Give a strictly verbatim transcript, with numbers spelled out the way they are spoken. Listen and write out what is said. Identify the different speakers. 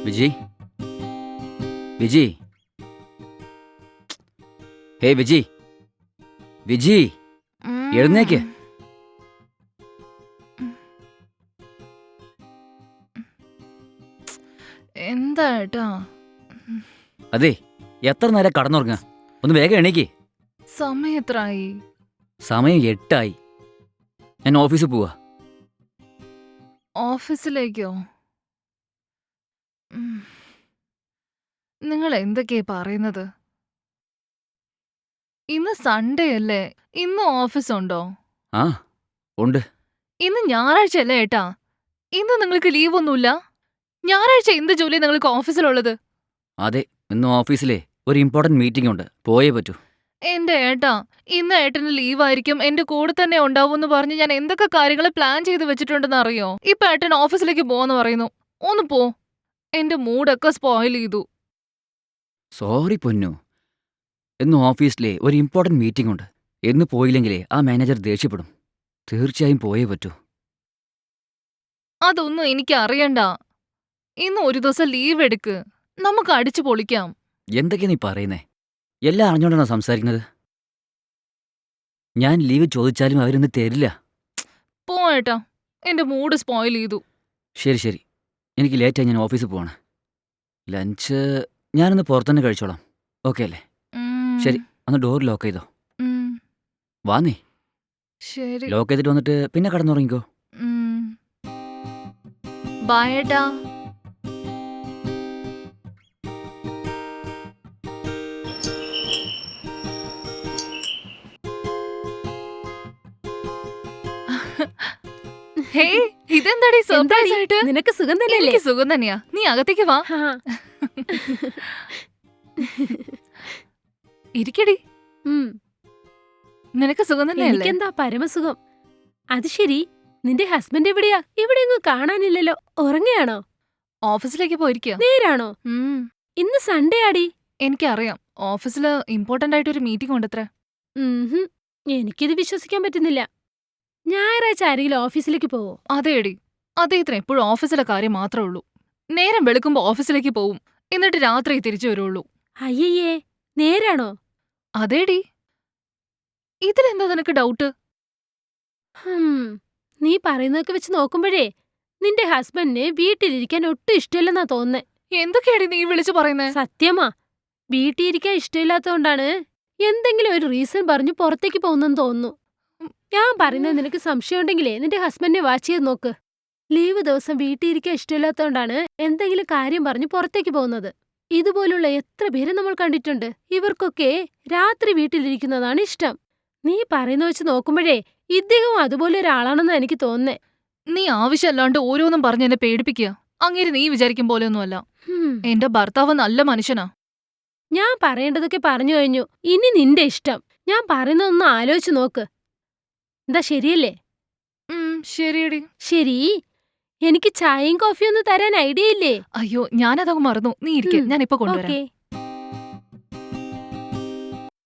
Speaker 1: വിജി വിജി ഹേ വിജി വിജി എഴുന്നേക്ക്.
Speaker 2: എന്താ ഏട്ടാ?
Speaker 1: അതെ, എത്ര നേരം കടന്നുറങ്ങ? ഒന്ന് വേഗം എണീക്ക്.
Speaker 2: സമയം എത്രയായി?
Speaker 1: സമയം എട്ടായി. ഞാൻ ഓഫീസിൽ പോവാ.
Speaker 2: ഓഫീസിലേക്കോ? ഉം. നിങ്ങൾ എന്തൊക്കെയാ പറയുന്നത്? ഇന്ന് സൺഡേ അല്ലേ? ഇന്ന് ഓഫീസ് ഉണ്ടോ?
Speaker 1: ആ ഉണ്ട്.
Speaker 2: ഇന്ന് ഞായറാഴ്ച അല്ലേ ഏട്ടാ? ഇന്ന് നിങ്ങൾക്ക് ലീവ് ഒന്നുമില്ല? ഞായറാഴ്ച എന്ത് ജോലി നിങ്ങൾക്ക് ഓഫീസിലുള്ളത്?
Speaker 1: അതെ, ഇന്ന് ഓഫീസിലെ ഒരു ഇമ്പോർട്ടന്റ് മീറ്റിംഗ് ഉണ്ട്, പോയേ പറ്റൂ.
Speaker 2: എന്റെ ഏട്ടാ, ഇന്ന് ഏട്ടന് ലീവായിരിക്കും, എന്റെ കൂടെ തന്നെ ഉണ്ടാവുമെന്ന് പറഞ്ഞ് ഞാൻ എന്തൊക്കെ കാര്യങ്ങൾ പ്ലാൻ ചെയ്ത് വെച്ചിട്ടുണ്ടെന്ന് അറിയോ? ഇപ്പൊ ഏട്ടൻ ഓഫീസിലേക്ക് പോവാന്ന് പറയുന്നു. ഒന്ന് പോ. എന്റെ മൂഡൊക്കെ സ്പോയിൽ ചെയ്തു.
Speaker 1: സോറി പൊന്നു, ഇന്ന് ഓഫീസിലെ ഒരു ഇമ്പോർട്ടന്റ് മീറ്റിംഗ് ഉണ്ട്. എന്ന് പോയില്ലെങ്കിലേ ആ മാനേജർ ദേഷ്യപ്പെടും. തീർച്ചയായും പോയേ പറ്റൂ.
Speaker 2: അതൊന്നും എനിക്ക് അറിയണ്ട. ഇന്ന് ഒരു ദിവസം ലീവ് എടുക്ക്, നമുക്ക് അടിച്ചു പൊളിക്കാം.
Speaker 1: എന്തൊക്കെയാ നീ പറയുന്നേ? എല്ലാം അറിഞ്ഞോണ്ടാണോ സംസാരിക്കുന്നത്? ഞാൻ ലീവ് ചോദിച്ചാലും അവരൊന്നും തരില്ല.
Speaker 2: പോ ഏട്ടാ, എന്റെ മൂഡ് സ്പോയിൽ ചെയ്തു.
Speaker 1: ശരി ശരി, എനിക്ക് ലേറ്റായി, ഞാൻ ഓഫീസിൽ പോവാണ്. ലഞ്ച് ഞാനൊന്ന് പുറത്തുതന്നെ കഴിച്ചോളാം, ഓക്കെ അല്ലേ?
Speaker 2: ഉം,
Speaker 1: ശരി, അന്ന് ഡോർ ലോക്ക് ചെയ്തോ.
Speaker 2: ഉം,
Speaker 1: വാ നീ.
Speaker 2: ശരി.
Speaker 1: ലോക്ക് ചെയ്തിട്ട് വന്നിട്ട് പിന്നെ കടന്നുറങ്ങിക്കോ.
Speaker 2: ഉം. ബൈ ഏട്ടാ. ഹേ, ഇതെന്താടി സർപ്രൈസ് ആയിട്ട്?
Speaker 3: നിനക്ക് സുഖം തന്നെയല്ലേ?
Speaker 2: എനിക്ക് സുഖം തന്നെയാ. നീ അകത്തേക്ക് വാ.
Speaker 3: ഹാ.
Speaker 2: ഇരിക്കടി.
Speaker 3: ഉം.
Speaker 2: നിനക്ക് സുഖം തന്നെയല്ലേ?
Speaker 3: എനിക്കെന്താ പരമസുഖം. അത് ശരി, നിന്റെ ഹസ്ബൻഡ് എവിടെയാ? ഇവിടെ ഒന്നും കാണാനില്ലല്ലോ. ഉറങ്ങയാണോ?
Speaker 2: ഓഫീസിലേക്ക് പോയിരിക്കുക.
Speaker 3: നേരാണോ?
Speaker 2: ഉം.
Speaker 3: ഇന്ന് സൺഡേ ആടി.
Speaker 2: എനിക്കറിയാം, ഓഫീസില് ഇമ്പോർട്ടന്റ് ആയിട്ട് ഒരു മീറ്റിംഗ് ഉണ്ടത്രേ.
Speaker 3: ഉംഹും. എനിക്കിത് വിശ്വസിക്കാൻ പറ്റുന്നില്ല. ഞായറാഴ്ച ആരെങ്കിലും ഓഫീസിലേക്ക് പോവോ?
Speaker 2: അതേടി, അദ്ദേഹത്തിന് എപ്പോഴും ഓഫീസിലെ കാര്യം മാത്രമേ ഉള്ളൂ. നേരം വെളുക്കുമ്പോ ഓഫീസിലേക്ക് പോവും, എന്നിട്ട് രാത്രി തിരിച്ചു വരുള്ളൂ.
Speaker 3: അയ്യയ്യേ, നേരാണോ?
Speaker 2: അതേടി. ഇതിലെന്താ നിനക്ക് ഡൗട്ട്?
Speaker 3: ഹും. നീ പറയുന്നതൊക്കെ വെച്ച് നോക്കുമ്പോഴേ നിന്റെ ഹസ്ബൻഡിന് വീട്ടിലിരിക്കാൻ ഒട്ടും ഇഷ്ടമില്ലെന്നാ തോന്നുന്നേ.
Speaker 2: എന്തൊക്കെയാടി നീ വിളിച്ചു പറയുന്നേ?
Speaker 3: സത്യമാ, വീട്ടിലിരിക്കാൻ ഇഷ്ടമില്ലാത്തതുകൊണ്ടാണ് എന്തെങ്കിലും ഒരു റീസൺ പറഞ്ഞു പുറത്തേക്ക് പോകുന്നെന്ന് തോന്നുന്നു. ഞാൻ പറയുന്നത് നിനക്ക് സംശയം ഉണ്ടെങ്കിലേ നിന്റെ ഹസ്ബൻഡിനെ വാച്ച് ചെയ്ത് നോക്ക്. ലീവ് ദിവസം വീട്ടിലിരിക്കാൻ ഇഷ്ടമില്ലാത്തതുകൊണ്ടാണ് എന്തെങ്കിലും കാര്യം പറഞ്ഞു പുറത്തേക്ക് പോകുന്നത്. ഇതുപോലുള്ള എത്ര പേരെ നമ്മൾ കണ്ടിട്ടുണ്ട്. ഇവർക്കൊക്കെ രാത്രി വീട്ടിലിരിക്കുന്നതാണ് ഇഷ്ടം. നീ പറയുന്ന വെച്ച് നോക്കുമ്പോഴേ ഇദ്ദേഹം അതുപോലെ ഒരാളാണെന്നാ എനിക്ക് തോന്നുന്നേ.
Speaker 2: നീ ആവശ്യമല്ലാണ്ട് ഓരോന്നും പറഞ്ഞ് എന്നെ പേടിപ്പിക്കുക. അങ്ങേര് നീ വിചാരിക്കും പോലെയൊന്നുമല്ല.
Speaker 3: ഹും.
Speaker 2: എന്റെ ഭർത്താവ് നല്ല മനുഷ്യനാ.
Speaker 3: ഞാൻ പറയേണ്ടതൊക്കെ പറഞ്ഞു കഴിഞ്ഞു. ഇനി നിന്റെ ഇഷ്ടം. ഞാൻ പറയുന്നതൊന്ന് ആലോചിച്ച് നോക്ക്. എന്താ, ശരിയല്ലേ?
Speaker 2: ഉം, ശരിയടി.
Speaker 3: ശരി, എനിക്ക് ചായയും കോഫിയും ഒന്നും തരാൻ ഐഡിയ ഇല്ലേ?
Speaker 2: അയ്യോ, ഞാനതങ്ങ് മറന്നു. നീ ഇരിക്കെ,
Speaker 3: ഉം,
Speaker 2: ഞാൻ ഇപ്പൊ കൊണ്ടുവരാം.
Speaker 3: ഓക്കേ.